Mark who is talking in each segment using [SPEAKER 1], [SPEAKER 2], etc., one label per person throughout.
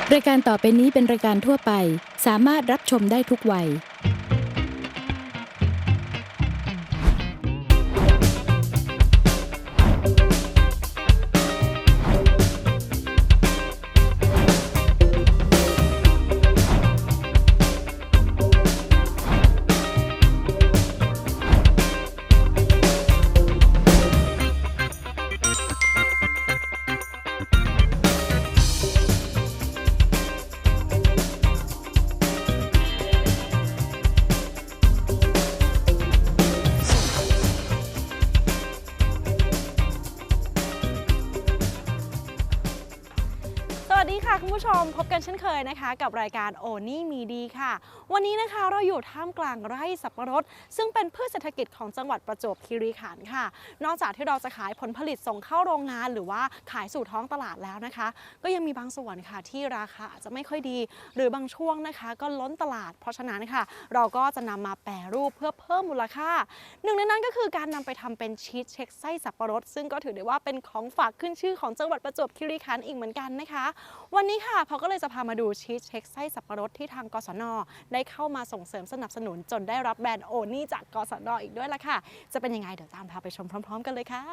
[SPEAKER 1] รายการต่อไปนี้เป็นรายการทั่วไปสามารถรับชมได้ทุกวัย
[SPEAKER 2] สวัสดีค่ะคุณผู้ชมพบกันเช่นเคยนะคะกับรายการโอนี่มีดีค่ะวันนี้นะคะเราอยู่ท่ามกลางไร่สับปะรดซึ่งเป็นพืชเศรษฐกิจของจังหวัดประจวบคีรีขันธ์ค่ะนอกจากที่เราจะขายผลผลิตส่งเข้าโรงงานหรือว่าขายสู่ท้องตลาดแล้วนะคะก็ยังมีบางส่วนค่ะที่ราคาอาจจะไม่ค่อยดีหรือบางช่วงนะคะก็ล้นตลาดเพราะฉะนั้นค่ะเราก็จะนำมาแปรรูปเพื่อเพิ่มมูลค่าหนึ่งในนั้นก็คือการนำไปทำเป็นชีสเช็คไส้สับปะรดซึ่งก็ถือได้ว่าเป็นของฝากขึ้นชื่อของจังหวัดประจวบคีรีขันธ์อีกเหมือนกันนะคะวันนี้ค่ะเขาก็เลยจะพามาดูชีสเช็คไส้สับปะรดที่ทางกศน.ได้เข้ามาส่งเสริมสนับสนุนจนได้รับแบรนด์โอนี่จากกศน.อีกด้วยล่ะค่ะจะเป็นยังไงเดี๋ยวตามพาไปชมพร้อมๆกันเลยค่ะ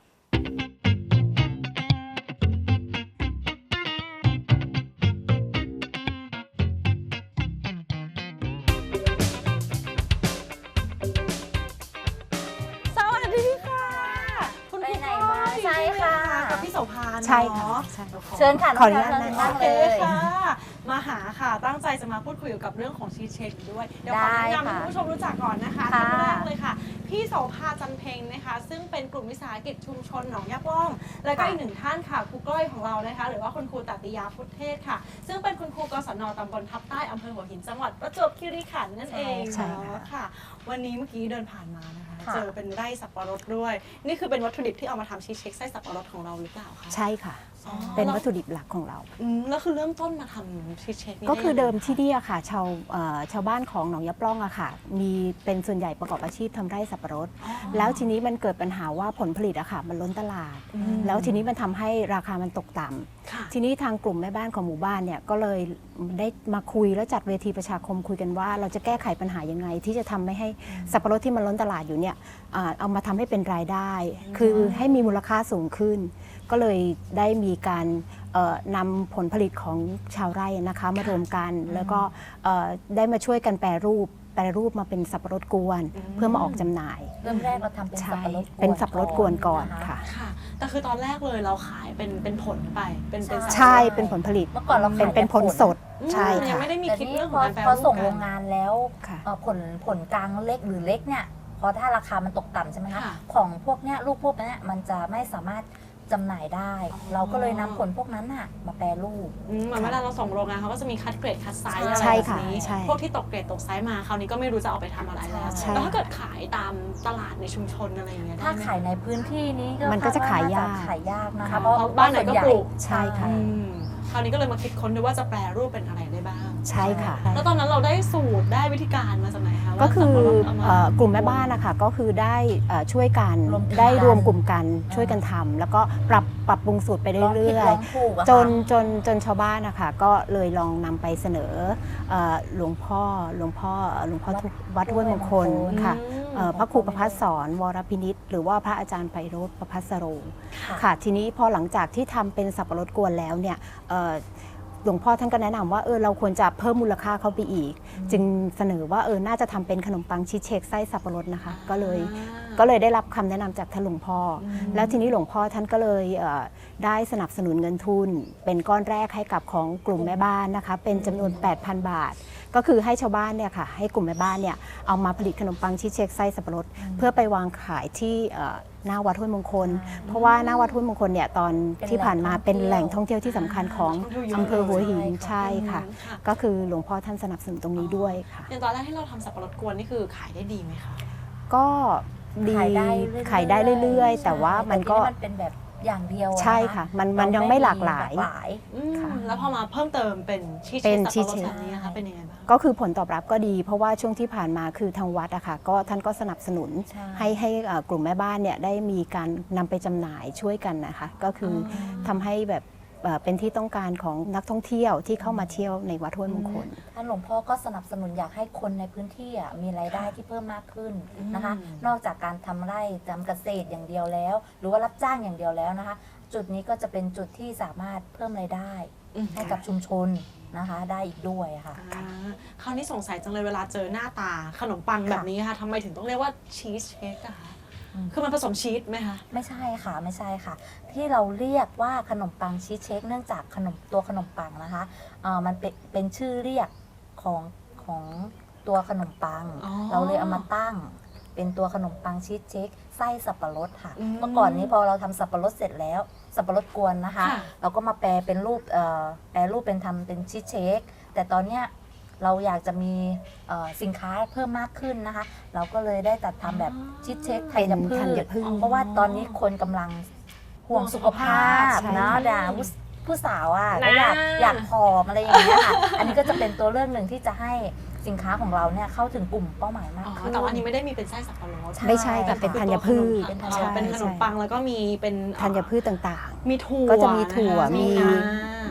[SPEAKER 2] สวัสดีค่ะคุณครูพ่อใช่ค่ะกับพี่โสภา
[SPEAKER 3] ใช่ค่ะ
[SPEAKER 2] เชิญค่ะ
[SPEAKER 3] ขออนุญาตนั่ง
[SPEAKER 2] เลยค่ะมาหาค่ะตั้งใจจะมาพูดคุยเกี่ยวกับเรื่องของชีสเช็คด้วยเดี๋ยวขอแนะนำให้คุณผู้ชมรู้จักก่อนนะคะท่านแรกเลยค่ะพี่โสภาจันเพ็งนะคะซึ่งเป็นกลุ่มวิสาหกิจชุมชนหนองยาปล้องและก็อีกหนึ่งท่านค่ะครูก้อยของเรานะคะหรือว่าคุณครูตัตติยาพุทธเทศค่ะซึ่งเป็นคุณครูกศน.ตำบลทับใต้อำเภอหัวหินจังหวัดประจวบคีรีขันธ์นั่นเองเนาะค่ะวันนี้เมื่อกี้เดินผ่านมานะคะเจอเป็นไร่สับปะรดด้วยนี่คือเป็นวัตถุดิบที่เอามาทำชีสเช็คไส้สับปะรดของเราหรือเปล่าคะ
[SPEAKER 3] ใช่ค่ะเป็นวัตถุดิบหลักของเรา
[SPEAKER 2] แล้วคือเริ่มต้นมาทำชีสเช็ค
[SPEAKER 3] ก็คือเดิมที่นี่อะค่ะชาวบ้านของหนองยะปล้องอะค่ะมีเป็นส่วนใหญ่ประกอบอาชีพทำไร่สับปะรดแล้วทีนี้มันเกิดปัญหาว่าผลผลิตอะค่ะมันล้นตลาดแล้วทีนี้มันทำให้ราคามันตกต่ำทีนี้ทางกลุ่มแม่บ้านของหมู่บ้านเนี่ยก็เลยได้มาคุยแล้วจัดเวทีประชาคมคุยกันว่าเราจะแก้ไขปัญหายังไงที่จะทำไม่ให้สับปะรดที่มันล้นตลาดอยู่เนี่ยเอามาทำให้เป็นรายได้คือให้มีมูลค่าสูงขึ้นก็เลยได้มีการนำผลผลิตของชาวไร่นะคะมารวมกันแล้วก็ได้มาช่วยกันแปรรูปมาเป็นสับปะรดกวนเพื่อมาออกจำหน่าย
[SPEAKER 4] เริ่มแรกเราทำเป็นสับปะรดกวน
[SPEAKER 3] เป็นสับปะรดกวนก่อนค่ะ
[SPEAKER 2] แต่คือตอนแรกเลยเราขายเป็นผลไปเป็น
[SPEAKER 3] ใช่เป็นผลผลิต
[SPEAKER 4] เมื่อก่อนเรา
[SPEAKER 3] เป็นผลสดใช่ค่ะ
[SPEAKER 2] ยังไม่ได้มีคิดเรื่องของการแปรรูป
[SPEAKER 4] พอส่งโรงงานแล้วผลกลางเล็กหรือเล็กเนี่ยพอถ้าราคามันตกต่ำใช่ไหมคะของพวกเนี้ยลูกพวกนี้มันจะไม่สามารถจำหน่ายได้เราก็เลยนำผลพวกนั้นน่ะมาแปรรูป
[SPEAKER 2] เหมือนเวลาเราส่งโรงงานเขาก็จะมีคัดเกรดคัดไซส์อะไรแบบนี้พวกที่ตกเกรดตกไซส์มาคราวนี้ก็ไม่รู้จะเอาไปทำอะไรแล้วแล้วถ้าเกิดขายตามตลาดในชุมชนอะไรอย่างเงี้ย
[SPEAKER 4] ถ้าขายในพื้นที่นี้
[SPEAKER 3] มันก็จะขายยาก
[SPEAKER 4] นะคะ
[SPEAKER 2] เพราะบ้านไหนก็ปลูก
[SPEAKER 3] ใช่ค่ะ
[SPEAKER 2] คราวนี้ก็เลยมาคิดค้นด้วยว่าจะแปรรูปเป็นอะไรได้บ้าง
[SPEAKER 3] ใช่ค่ะ
[SPEAKER 2] แล้วตอนนั้นเราได้สูตรได้วิธีการมาจากไหนคะ
[SPEAKER 3] ก็คือกลุ่มแม่บ้านนะคะก็คือได้ช่วยกันได้รวมกลุ่มกันช่วยกันทำแล้วก็ปรับปรุงสูตรไปเรื่อยๆจนชาวบ้านนะคะก็เลยลองนำไปเสนอหลวงพ่อวัดห้วยมงคลค่ะพระครูประภัสสรวรพินิจหรือว่าพระอาจารย์ไพโรจน์ประภัสสโรค่ะทีนี้พอหลังจากที่ทำเป็นสับปะรดกวนแล้วเนี่ยหลวงพ่อท่านก็แนะนำว่าเราควรจะเพิ่มมูลค่าเข้าไปอีกจึงเสนอว่าน่าจะทำเป็นขนมปังชีสเช็คไส้สับปะรดนะคะก็เลยได้รับคำแนะนำจากท่านหลวงพ่อแล้วทีนี้หลวงพ่อท่านก็เลยได้สนับสนุนเงินทุนเป็นก้อนแรกให้กับของกลุ่มแม่บ้านนะคะเป็นจำนวน 8,000 บาทก็คือให้ชาวบ้านเนี่ยค่ะให้กลุ่มแม่บ้านเนี่ยเอามาผลิตขนมปังชีสเช็คไส้สับปะรดเพื่อไปวางขายที่หน้าวัดห้วยมงคลเพราะว่าหน้าวัดห้วยมงคลเนี่ยตอนที่ผ่านมาเป็นแหล่งท่องเที่ยวที่สำคัญของอำเภอหัวหินใช่ค่ะก็คือหลวงพ่อท่านสนับสนุนตรงนี้ด้วยค่ะ
[SPEAKER 2] อย่างตอนแรกที่เราทำสับปะรดกวนนี่คือขายได้ดีไหมคะ
[SPEAKER 3] ก็ดีขายได้เรื่อยๆแต่ว่ามันก็
[SPEAKER 4] เป็นแบบอย่างเดียว
[SPEAKER 3] ใช่ค่ะมันยังไม่หลากหลาย
[SPEAKER 2] แล้วพอมาเพิ่มเติมเป็นชีสเช็คสับปะรดแบบนี้นะคะเป็นยังไงบ้าง
[SPEAKER 3] ก็คือผลตอบรับก็ดีเพราะว่าช่วงที่ผ่านมาคือทางวัดอะค่ะก็ท่านก็สนับสนุนให้กลุ่มแม่บ้านเนี่ยได้มีการนำไปจำหน่ายช่วยกันนะคะก็คือทำให้แบบเป็นที่ต้องการของนักท่องเที่ยวที่เข้ามาเที่ยวในวัดห้วยมงคล
[SPEAKER 4] ท่านหลวงพ่อก็สนับสนุนอยากให้คนในพื้นที่มีรายได้ที่เพิ่มมากขึ้นนะคะ นอกจากการทำไร่ทำเกษตรอย่างเดียวแล้ว หรือว่ารับจ้างอย่างเดียวแล้วนะคะ จุดนี้ก็จะเป็นจุดที่สามารถเพิ่มรายได้ให้กับชุมชนนะคะได้อีกด้วยค่ะ
[SPEAKER 2] คราวนี้สงสัยจังเลยเวลาเจอหน้าตาขนมปังแบบนี้ค่ะทำไมถึงต้องเรียกว่าชีสเค้กอะคะคือมันผสมชีสไหมคะ
[SPEAKER 4] ไม่ใช่ค่ะไม่ใช่ค่ะ ที่เราเรียกว่าขนมปังชีสเค้กเนื่องจากตัวขนมปังนะคะมันเป็นชื่อเรียกของตัวขนมปัง เราเลยเอามาตั้งเป็นตัวขนมปังชีสเค้กไส้สับปะรดค่ะเมื่อก่อนนี้พอเราทำสับปะรดเสร็จแล้วสับปะรดกวนนะคะ เราก็มาแปลเป็นรูปเป็นทำเป็นชีสเค้กแต่ตอนเนี้ยเราอยากจะมีสินค้าเพิ่มมากขึ้นนะคะ เราก็เลยได้จัดทำแบบชีสเค้กธัญพืชเพราะว่าตอนนี้คนกำลังห่วงสุขภาพนะผู้สาวก็อยากผอมอะไรอย่างเงี้ยค่ะอันนี้ก็จะเป็นตัวเลือกหนึ่งที่จะให้สินค้าของเราเนี่ยเข้าถึงกลุ่มเป้าหมายมากขึ้น
[SPEAKER 2] แต่ว่าอันนี้ไม่ได้มีเป็นไส้สับปะรด
[SPEAKER 3] ไม่ใช่แต่เป็นธัญพืช
[SPEAKER 2] เป็นขนมปังแล้วก็มีเป็น
[SPEAKER 3] ธัญพืชต่าง
[SPEAKER 2] มีถั่ว
[SPEAKER 3] ๆ ก็จะมีถั่ว
[SPEAKER 2] นะคะ
[SPEAKER 3] มี
[SPEAKER 2] อ่าม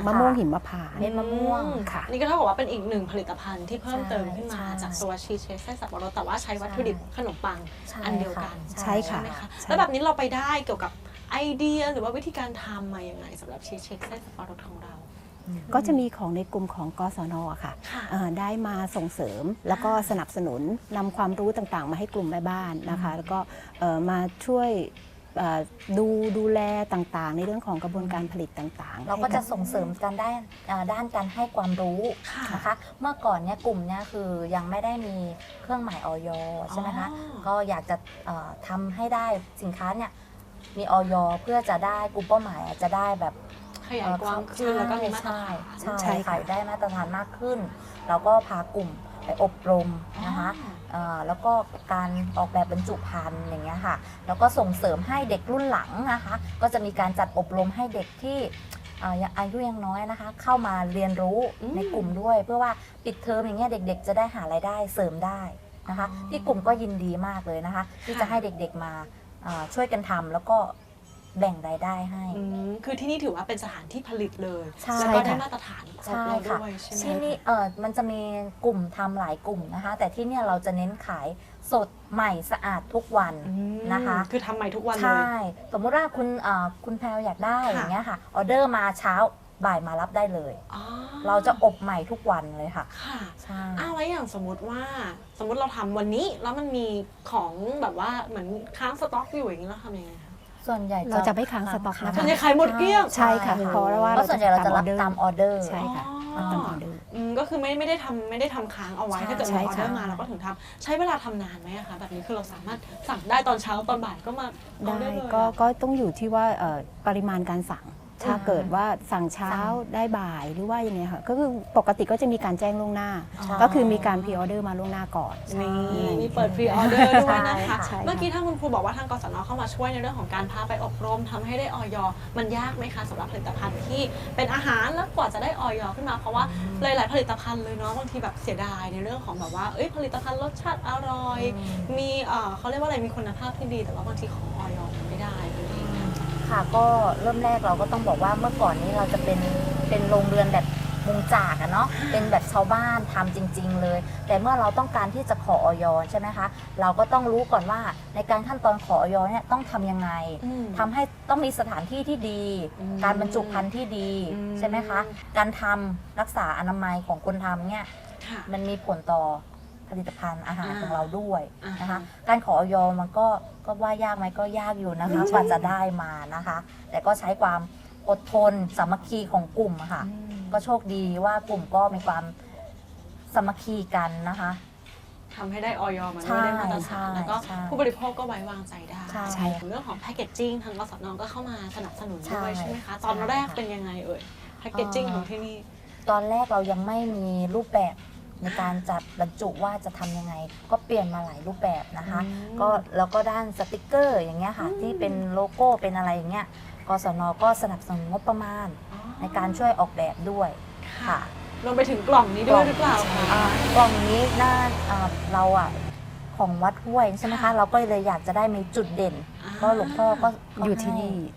[SPEAKER 3] ะม่วงหิมพานต์
[SPEAKER 4] เม็ดมะม่วง
[SPEAKER 3] ค่ะ
[SPEAKER 2] นี่ก็เท่ากับว่าเป็นอีกหนึ่งผลิตภัณฑ์ที่เพิ่มเติมขึ้นมา
[SPEAKER 4] ใช่
[SPEAKER 2] จากตัวชีสเค้กไส้สับปะรดแต่ว่าใช้วัตถุดิบขนมปัง
[SPEAKER 4] ใช่
[SPEAKER 2] อันเดียวกัน
[SPEAKER 3] ใช่ค่ะ
[SPEAKER 2] ไหมคะ
[SPEAKER 3] ใช่
[SPEAKER 2] แล้วแบบนี้เราไปได้เกี่ยวกับไอเดียหรือว่าวิธีการทำมาอย่างไงสำหรับชีสเค้กไส้สับปะรดของเรา
[SPEAKER 3] ก็จะมีของในกลุ่มของกศนค่ะ
[SPEAKER 2] ค่ะ
[SPEAKER 3] ได้มาส่งเสริมแล้วก็สนับสนุนนำความรู้ต่างๆ มาให้กลุ่มแม่บ้านนะคะ แล้วก็มาช่วยดูแลต่างๆ ในเรื่องของกระบวนการผลิตต่างๆ
[SPEAKER 4] เราก็จะ
[SPEAKER 3] ให้บ
[SPEAKER 4] ส่งเสริมกันด้านการให้ความรู้
[SPEAKER 2] ค่ะ
[SPEAKER 4] นะคะ เมื่อก่อนเนี่ยกลุ่มเนี่ยคือยังไม่ได้มีเครื่องหมายออยใช่ไหมคะ
[SPEAKER 2] อ๋อ
[SPEAKER 4] ก็อยากจะทำให้ได้สินค้าเนี่ยมีออยเพื่อจะได้กลุ่มเป้าหมายจะได้แบบ
[SPEAKER 2] ขยายกว้างขึ้นแล้วก็มีมาตรฐาน
[SPEAKER 4] ใช่
[SPEAKER 3] ใช่ค่ะ
[SPEAKER 4] ขายได้มาตรฐานมากขึ้น เราก็พากลุ่มไปอบรมนะคะแล้วก็การออกแบบบรรจุภัณฑ์อย่างเงี้ยค่ะแล้วก็ส่งเสริมให้เด็กรุ่นหลังนะคะก็จะมีการจัดอบรมให้เด็กที่อายุยังน้อยนะคะ เข้ามาเรียนรู้ในกลุ่มด้วย เพื่อว่าปิดเทอมอย่างเงี้ยเด็กๆ จะได้หารายได้เสริมได้นะคะที่กลุ่มก็ยินดีมากเลยนะคะ ที่จะให้เด็กๆมาช่วยกันทำแล้วก็แบ่งรายได้ให้
[SPEAKER 2] คือที่นี่ถือว่าเป็นสถานที่ผลิตเลย
[SPEAKER 4] ใช่
[SPEAKER 2] แล้วก็ได้
[SPEAKER 3] ค่ะ
[SPEAKER 2] มาตรฐานครบ
[SPEAKER 4] ใช่
[SPEAKER 2] แล้ว
[SPEAKER 4] ค่ะ
[SPEAKER 2] ด้วยใช่ไหม
[SPEAKER 4] ที่นี่มันจะมีกลุ่มทำหลายกลุ่มนะคะ แต่ที่เนี่ยเราจะเน้นขายสดใหม่สะอาดทุกวัน นะคะ
[SPEAKER 2] คือทำใหม่ทุกวันเล
[SPEAKER 4] ใช่
[SPEAKER 2] ย
[SPEAKER 4] สมมุติว่าคุณแพลวอยากได้
[SPEAKER 2] ค่ะ
[SPEAKER 4] อย่างเงี้ยค่ะออเดอร์มาเช้าบ่ายมารับได้เลย
[SPEAKER 2] อ๋อ
[SPEAKER 4] เราจะอบใหม่ทุกวันเลยค่ะ
[SPEAKER 2] ค่ะ
[SPEAKER 4] ใช่
[SPEAKER 2] แล้วอย่างสมมติเราทำวันนี้แล้วมันมีของแบบว่าเหมือนค้างสต็อกอยู่อย่างนี้เราทำยังไงคะ
[SPEAKER 4] ส่วนใหญ่
[SPEAKER 3] เราจะไม่ค้างสต็อกนะคะ
[SPEAKER 2] ส่วนใหญ่ขายหมดเกลี้ยง
[SPEAKER 3] ใช่ค่ะเพราะว่า
[SPEAKER 4] เพราะส่วนใหญ่เราจะรับตามออเดอร์
[SPEAKER 3] ใช่ค่ะ
[SPEAKER 2] อ๋อ
[SPEAKER 3] ตามออเดอร์
[SPEAKER 2] ก็คือไม่ได้ทำค้างเอาไว้
[SPEAKER 4] ใช่
[SPEAKER 2] ถ้าเกิดมีออเดอร์
[SPEAKER 3] ใช่
[SPEAKER 2] มา
[SPEAKER 3] ค่ะ
[SPEAKER 2] เราก็ถึงทำใช้เวลาทำนานไหมอะคะแบบนี้คือเราสามารถสั่งได้ตอนเช้าตอนบ่ายก็มาเอา
[SPEAKER 3] ได้
[SPEAKER 2] เลย
[SPEAKER 3] ก็ต้องอยู่ที่ว่าปริมาณการสั่ง ถ้าเกิดว่าสั่งเช้าได้บ่ายหรือว่ายังไงค่ะก็คือปกติก็จะมีการแจ้งล่วงหน้า
[SPEAKER 4] ใช่
[SPEAKER 3] ก็คือมีการพรีออเดอร์มาล่วงหน้าก่อน
[SPEAKER 2] นี่มีเปิดฟรีออเดอร์ด้วยนะคะ
[SPEAKER 3] ใช่ค่ะ
[SPEAKER 2] เมื่อกี้ถ้าคุณครูบอกว่าทางกศนเข้ามาช่วยในเรื่องของการพาไปอบรมทำให้ได้ออยมันยากไหมคะสำหรับผลิตภัณฑ์ที่เป็นอาหารแล้วกว่าจะได้ออยขึ้นมาเพราะว่าหลายๆผลิตภัณฑ์เลยเนาะบางทีแบบเสียดายในเรื่องของแบบว่าผลิตภัณฑ์รสชาติอร่อย มีเขาเรียกว่าอะไรมีคุณภาพที่ดีแต่ว่าบางทีของออยมันไม่ได้นั่นเอง
[SPEAKER 4] ค่ะก็เริ่มแรกเราก็ต้องบอกว่าเมื่อก่อนนี้เราจะเป็นโรงเรือนแบบมุงจากอะเนาะเป็นแบบชาวบ้านทำจริง ๆ เลย แต่เมื่อเราต้องการที่จะขอออยใช่ไหมคะเราก็ต้องรู้ก่อนว่าในการขั้นตอนขอออยเนี่ยต้องทำยังไงทำให้ต้องมีสถานที่ที่ดี การบรรจุภัณฑ์ที่ดีใช่ไหมคะการทำรักษาอนามัยของคนทำเนี่ย
[SPEAKER 2] ค่ะ
[SPEAKER 4] มันมีผลต่อผลิตภัณฑ์อาหารของเราด้วยนะ
[SPEAKER 2] อ่า
[SPEAKER 4] คะ การขอออยมันก็ว่ายากไหมก็ยากอยู่นะคะกว่าจะได้มานะคะ แต่ก็ใช้ความอดทนสามัคคีของกลุ่มอะค่ะ ก็โชคดีว่ากลุ่มก็มีความสามัคคีกันนะคะ
[SPEAKER 2] ทำให้ได้ออยมัน
[SPEAKER 4] ใช่
[SPEAKER 2] ไม่ได้มาตรฐานแล้วก็
[SPEAKER 4] ใช่
[SPEAKER 2] ผู้บริโภคก็ไว้วางใจได้
[SPEAKER 4] ใช่
[SPEAKER 2] เรื่องของแพคเกจจิ้งทางกสนก็เข้ามาสนับสนุนด้วย
[SPEAKER 4] ใช่
[SPEAKER 2] ใช่ไหมคะตอนแรก
[SPEAKER 4] ใช่ค่ะ
[SPEAKER 2] เป็นยังไงแพคเกจจิ้งของที่นี่
[SPEAKER 4] ตอนแรกเรายังไม่มีรูปแบบในการจัดบรรจุว่าจะทำยังไง ก็เปลี่ยนมาหลายรูปแบบนะคะ ก็แล้วก็ด้านสติกเกอร์อย่างเงี้ยค่ะ ที่เป็นโลโก้เป็นอะไรอย่างเงี้ยกศนก็สนับสนุนงบประมาณในการช่วยออกแบบด้วยค่ะ
[SPEAKER 2] รวมไปถึงกล่องนี้ด้วยหรือเปล่าคะ
[SPEAKER 4] กล่องนี้ด้านเราของวัดห้วยใช่ไหมคะ เราก็เลยอยากจะได้มีจุดเด่น ก็หลวงพ่อก็
[SPEAKER 3] อยู่ที่นี่ใช่
[SPEAKER 4] อ๋อ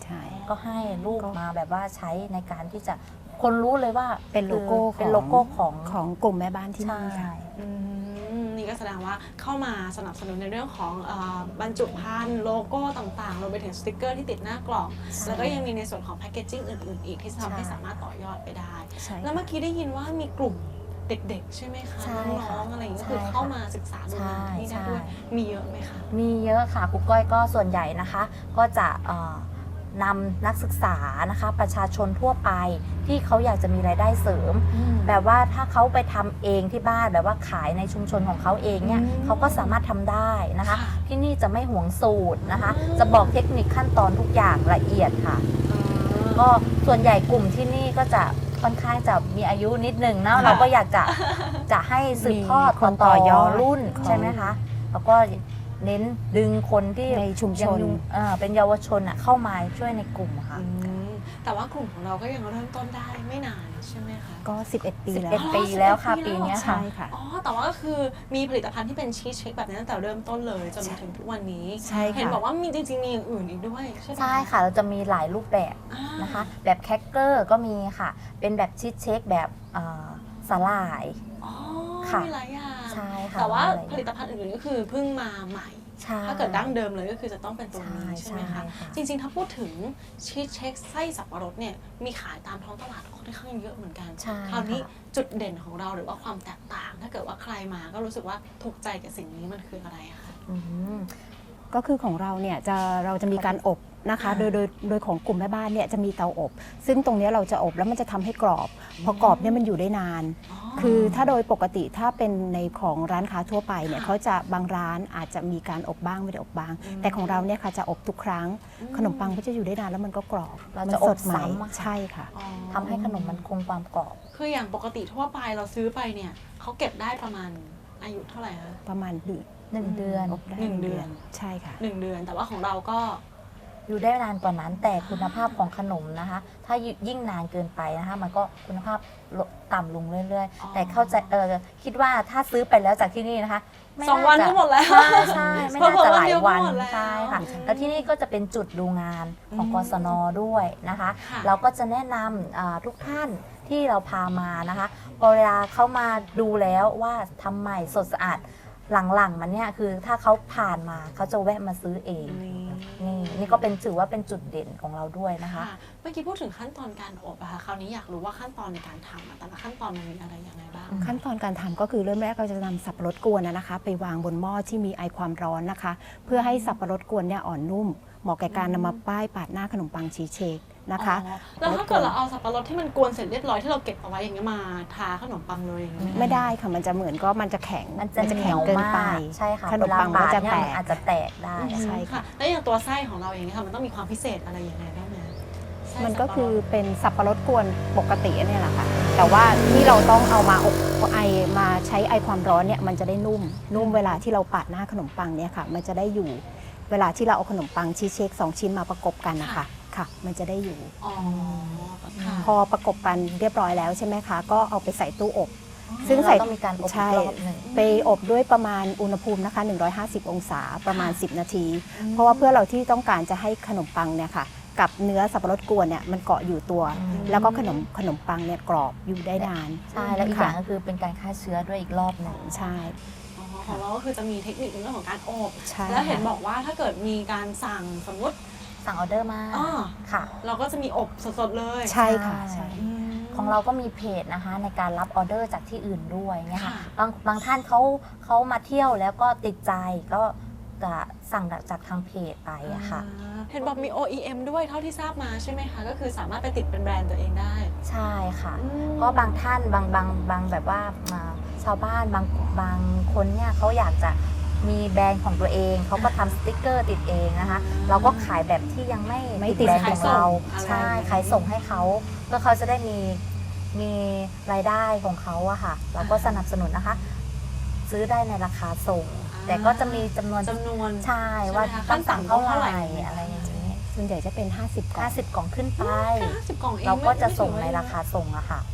[SPEAKER 4] ก็ให้ลูกมาแบบว่าใช้ในการที่จะคนรู้เลยว่า
[SPEAKER 3] เป็นโลโก้
[SPEAKER 4] เป็นโลโก้ของ
[SPEAKER 3] ของกลุ่มแม่บ้านที่
[SPEAKER 4] ใช่
[SPEAKER 3] นี่ค่ะ
[SPEAKER 2] นี่ก็แสดงว่าเข้ามาสนับสนุนในเรื่องของบรรจุภัณฑ์โลโก้ต่างๆรวมไปถึงสติกเกอร์ที่ติดหน้ากล่อง แล้วก็ยังมีในส่วนของแพคเกจจิ้งอื่นๆอีกที่ทำให้สามารถต่อยอดไปได้
[SPEAKER 3] ใช่
[SPEAKER 2] แล้วเมื่อกี้ได้ยินว่ามีกลุ่มเด็กๆใช่ไหมคะ
[SPEAKER 4] ใช่ค่ะ
[SPEAKER 2] น้องๆอะไรอย่างเงี้ย
[SPEAKER 4] ใช่
[SPEAKER 2] คือ
[SPEAKER 4] ค่ะ
[SPEAKER 2] เข้ามาศึกษาดูงานที่นี่ได้ด้วย
[SPEAKER 4] ใช่
[SPEAKER 2] มีเยอะไหมคะ
[SPEAKER 4] มีเยอะค่ะครูก้อยก็ส่วนใหญ่นะคะ ก็จะนำนักศึกษานะคะประชาชนทั่วไปที่เขาอยากจะมีรายได้เสริม แบบว่าถ้าเขาไปทำเองที่บ้านแบบว่าขายในชุมชนของเขาเองเนี่ยเขาก็สามารถทำได้นะคะ ที่นี่จะไม่หวงสูตรนะคะ จะบอกเทคนิคขั้นตอนทุกอย่างละเอียดค่ะ ก็ส่วนใหญ่กลุ่มที่นี่ก็จะค่อนข้างจะมีอายุนิดนึงนะเราก็อยากจะให้สืบทอด
[SPEAKER 3] มีคนต่อยอด
[SPEAKER 4] รุ่น
[SPEAKER 3] ของ
[SPEAKER 4] ใช่ไหมคะแล้วก็เน้นดึงคนที่
[SPEAKER 3] ในชุมชน
[SPEAKER 4] เป็นเยาวชนเข้ามาช่วยในกลุ่มค่ะ
[SPEAKER 2] แต่ว่ากลุ่มของเราก็ยังเริ่มต้นได้ไม่นานใช่ไหมคะ
[SPEAKER 3] ก็ 11 ปีแล้ว
[SPEAKER 4] 11 ปีแล้วค่ะ
[SPEAKER 2] 11
[SPEAKER 4] ปีเนี้ย
[SPEAKER 3] ใช่ค่ะ
[SPEAKER 2] อ๋อ แต่ว่าก็คือมีผลิตภัณฑ์ที่เป็นชีสเช็คแบบนี้ตั้งแต่เริ่มต้นเลยจนมาถึงทุกวันนี้
[SPEAKER 3] ใช่ค่ะ
[SPEAKER 2] เห็นบอกว่ามีจริงๆมีอย่างอื่นอีกด้วยใช่ไหม
[SPEAKER 4] ใช่ค่ะเราจะมีหลายรูปแบบ
[SPEAKER 2] อ่า
[SPEAKER 4] นะคะ แบบแคคเกอร์ก็มีค่ะ เป็นแบบชีสเช็คแบบสาหร่าย
[SPEAKER 2] อ๋อ
[SPEAKER 4] ค่ะ
[SPEAKER 2] มีหลายอย่าง
[SPEAKER 4] ใช่ค่ะ
[SPEAKER 2] แต่ว่า
[SPEAKER 4] มีหลายอย่าง
[SPEAKER 2] ผลิตภัณฑ์อื่นๆก็คือเพิ่งมาใหม่
[SPEAKER 4] ใช่
[SPEAKER 2] ถ้าเกิดดั้งเดิมเลยก็คือจะต้องเป็นตัวนี้
[SPEAKER 4] ใช่
[SPEAKER 2] ใช่ไหมคะ
[SPEAKER 4] ใช่ค่ะ
[SPEAKER 2] จริงๆ ถ้าพูดถึงชีสเช็คไส้สับปะรดเนี่ยมีขายตามท้องตลาดค่อนข้างเยอะเหมือนกัน
[SPEAKER 4] ใช่
[SPEAKER 2] คราวนี้
[SPEAKER 4] ค่ะ
[SPEAKER 2] จุดเด่นของเราหรือว่าความแตกต่าง ถ้าเกิดว่าใครมาก็รู้สึกว่าถูกใจกับสิ่งนี้มันคืออะไรอะคะ
[SPEAKER 4] อืม
[SPEAKER 3] ก็คือของเราเนี่ยเราจะมีการอบนะคะ
[SPEAKER 2] อ่า
[SPEAKER 3] โดยของกลุ่มแม่บ้านเนี่ยจะมีเตาอบ ซึ่งตรงเนี้ยเราจะอบแล้วมันจะทำให้กรอบ พอกรอบเนี่ยมันอยู่ได้นาน คือถ้าโดยปกติถ้าเป็นในของร้านค้าทั่วไปเนี่ยเขาจะบางร้านอาจจะมีการอบบ้างไม่ได้อบบ้าง แต่ของเราเนี่ยค่ะจะอบทุกครั้ง ขนมปังก็จะอยู่ได้นานแล้วมันก็กรอบ
[SPEAKER 4] เรา
[SPEAKER 3] มั
[SPEAKER 4] จะ
[SPEAKER 3] ส
[SPEAKER 4] อบ
[SPEAKER 3] ดใหม่
[SPEAKER 4] ซ้ำอะค่ะ
[SPEAKER 3] ใช่ค่ะ
[SPEAKER 2] อ๋อ
[SPEAKER 4] ทำให้ขนมมันคงความกรอบ
[SPEAKER 2] คืออย่างปกติทั่วไปเราซื้อไปเนี่ยเขาเก็บได้ประมาณอายุเท่าไหร่คะ
[SPEAKER 3] ประมาณเดือน
[SPEAKER 4] 1 เดือน
[SPEAKER 3] อบได้
[SPEAKER 2] หนึ่งเดือน
[SPEAKER 3] ใช่ค่ะ
[SPEAKER 2] 1 เดือน แต่ว่าของเราก็
[SPEAKER 4] อยู่ได้นานกว่านั้นแต่คุณภาพของขนมนะคะ ถ้ายิ่งนานเกินไปนะคะ มันก็คุณภาพลดต่ำลงเรื่อย
[SPEAKER 2] อ๋อ
[SPEAKER 4] ๆ แต่เข้าใจคิดว่าถ้าซื้อไปแล้วจากที่นี่นะคะไม่
[SPEAKER 2] สองวัน
[SPEAKER 4] าจะ
[SPEAKER 2] ก็หมดแล้ว
[SPEAKER 4] ใช่ไม่น่าจะหลายวัน
[SPEAKER 2] เผลอๆวันเดียวก็หมดแล้ว
[SPEAKER 4] ใช่ค่ะแล้วที่นี่ก็จะเป็นจุดดูงานของกศนด้วยนะคะ
[SPEAKER 2] ค่ะ
[SPEAKER 4] เราก็จะแนะนำทุกท่านที่เราพามานะคะพอเวลาเขามาดูแล้วว่าทำใหม่สดสะอาดหลังๆมันเนี่ยคือถ้าเขาผ่านมาเขาจะแวะมาซื้อเอง นี่ก็เป็นถือว่าเป็นจุดเด่นของเราด้วยนะคะ
[SPEAKER 2] ค่ะเมื่อกี้พูดถึงขั้นตอนการอบอะค่ะคราวนี้อยากรู้ว่าขั้นตอนในการทำอะแต่ละขั้นตอนมันมีอะไรยังไงบ้าง
[SPEAKER 3] ขั้นตอนการทำก็คือเริ่มแรกเราจะนำสับปะรดกวนนะคะ ไปวางบนหม้อที่มีไอความร้อนนะคะ เพื่อให้สับปะรดกวนเนี่ยอ่อนนุ่มเหมาะแก่การนำมาป้ายปาดหน้าขนมปังชีสเชคนะคะ
[SPEAKER 2] อ๋อแล้วถ้าเกิดเราเอาสับปะรดที่มันกวนเสร็จเรียบร้อยที่เราเก็บเอาไว้อย่างเงี้ยมาทาขนมปังเลยอย่างเงี้ย
[SPEAKER 3] ไม่ได้ค่ะมันจะเหมือนก็มันจะแข็ง
[SPEAKER 4] มันจะเห
[SPEAKER 3] แข็
[SPEAKER 4] นี
[SPEAKER 3] ง
[SPEAKER 4] ยว
[SPEAKER 3] เกิน
[SPEAKER 4] มา
[SPEAKER 3] ไป
[SPEAKER 4] กใช่ค่ะ
[SPEAKER 3] ขนมปัง
[SPEAKER 4] เว
[SPEAKER 3] ก็
[SPEAKER 4] ลา
[SPEAKER 3] จะ
[SPEAKER 4] บาด
[SPEAKER 3] แต
[SPEAKER 4] เนี่ย
[SPEAKER 3] ก
[SPEAKER 4] มันอาจจะแตกได้
[SPEAKER 3] ใช่ค่ะ
[SPEAKER 2] แล้วอย่างตัวไส้ของเราเองเนี่ยค่ะมันต้องมีความพิเศษอะไรยังไงบ้างไหมไส้
[SPEAKER 3] มันก็
[SPEAKER 2] สับปะรด
[SPEAKER 3] คือเป็นสับปะรดกวนปกติเนี่ยแหละค่ะแต่ว่าที่เราต้องเอามาอบไอมาใช้ไอความร้อนเนี่ยมันจะได้นุ่มเวลาที่เราปาดหน้าขนมปังเนี่ยค่ะ มันจะได้อยู่ เวลาที่เราเอาขนมปังชีสเชค2 ชิ้นมาประกบกันนะคะค่ะ มันจะได้อยู่
[SPEAKER 2] อ๋อค่ะ
[SPEAKER 3] พอประกบกันเรียบร้อยแล้วใช่ไหมคะ ก็เอาไปใส่ตู้อบ
[SPEAKER 4] ซึ่
[SPEAKER 3] ซึ่
[SPEAKER 4] ง
[SPEAKER 3] ง
[SPEAKER 4] ใส่
[SPEAKER 3] ใส่
[SPEAKER 4] ต้องมีการอบอี
[SPEAKER 3] ใช่
[SPEAKER 4] กรอบหนึ่ง
[SPEAKER 3] ไปอบด้วยประมาณอุณหภูมินะคะ150 องศาประมาณ 10 นาที เพราะว่าเพื่อเราที่ต้องการจะให้ขนมปังเนี่ยค่ะกับเนื้อสับปะรดกวนเนี่ยมันเกาะอยู่ตัว แล้วก็ขนมปังเนี่ยกรอบอยู่ได้นาน
[SPEAKER 4] ใช่แล้วอีกอย่างก็คือเป็นการฆ่าเชื้อด้วยอีกรอบหนึ่ง
[SPEAKER 3] ใช่
[SPEAKER 2] อ๋อของเราก็คือจะมีเทคนิคในเรื่องของการอบ
[SPEAKER 3] ใช่
[SPEAKER 2] แล้วเห็นบอกว่าถ้าเกิดมีการสั่งสมมติ
[SPEAKER 4] สั่งออเดอร์มา
[SPEAKER 2] อ่า
[SPEAKER 4] ค่ะ
[SPEAKER 2] เราก็จะมีอบสดๆเลย
[SPEAKER 3] ใช่ค่ะใช่
[SPEAKER 4] ของเราก็มีเพจนะคะในการรับออเดอร์จากที่อื่นด้วยเนี่ยค่ะ
[SPEAKER 2] ค่ะ
[SPEAKER 4] บางท่านเขามาเที่ยวแล้วก็ติดใจก็จะสั่งจากทางเพจไปอะค่ะ
[SPEAKER 2] เห็นบอกมี OEM ด้วยเท่าที่ทราบมาใช่ไหมคะ ก็คือสามารถไปติดเป็นแบรนด์ตัวเองได้
[SPEAKER 4] ใช่ค่ะ
[SPEAKER 2] อืม
[SPEAKER 4] ก็บางท่านบางแบบว่าชาวบ้านบางคนเนี่ยเขาอยากจะมีแบรนด์ของตัวเองเขาก็ทำสติกเกอร์ติดเองนะคะ เราก็ขายแบบที่ยังไม่
[SPEAKER 3] ไม่
[SPEAKER 4] ติดแบรนด์
[SPEAKER 3] ติ
[SPEAKER 4] ข
[SPEAKER 3] ด
[SPEAKER 4] องเรา
[SPEAKER 2] ขายส่ง
[SPEAKER 4] ใช่ขายส่งให้เขาเพื่อเขาจะได้มีรายได้ของเขาอะค่ะ เราก็สนับสนุนนะคะ ซื้อได้ในราคาส่ง แต่ก็จะมีจำนวน
[SPEAKER 2] จำนวน
[SPEAKER 4] ใช่ว่า
[SPEAKER 2] ใช่ไหมคะ
[SPEAKER 4] ต้องสั่งเท่าไหร่
[SPEAKER 2] ขั้นต่ำเท่าไหร่
[SPEAKER 4] อะไรอย่างนี้
[SPEAKER 3] ส่วนใหญ่จะเป็น 50 กล่อง
[SPEAKER 4] 50 กล่องขึ้นไป
[SPEAKER 2] แค่50 กล่องเอง
[SPEAKER 4] เราก็จะ
[SPEAKER 2] ไม่
[SPEAKER 4] ส่ง
[SPEAKER 2] ถือว่
[SPEAKER 4] ในราคาส่งอะค่ะ
[SPEAKER 2] อ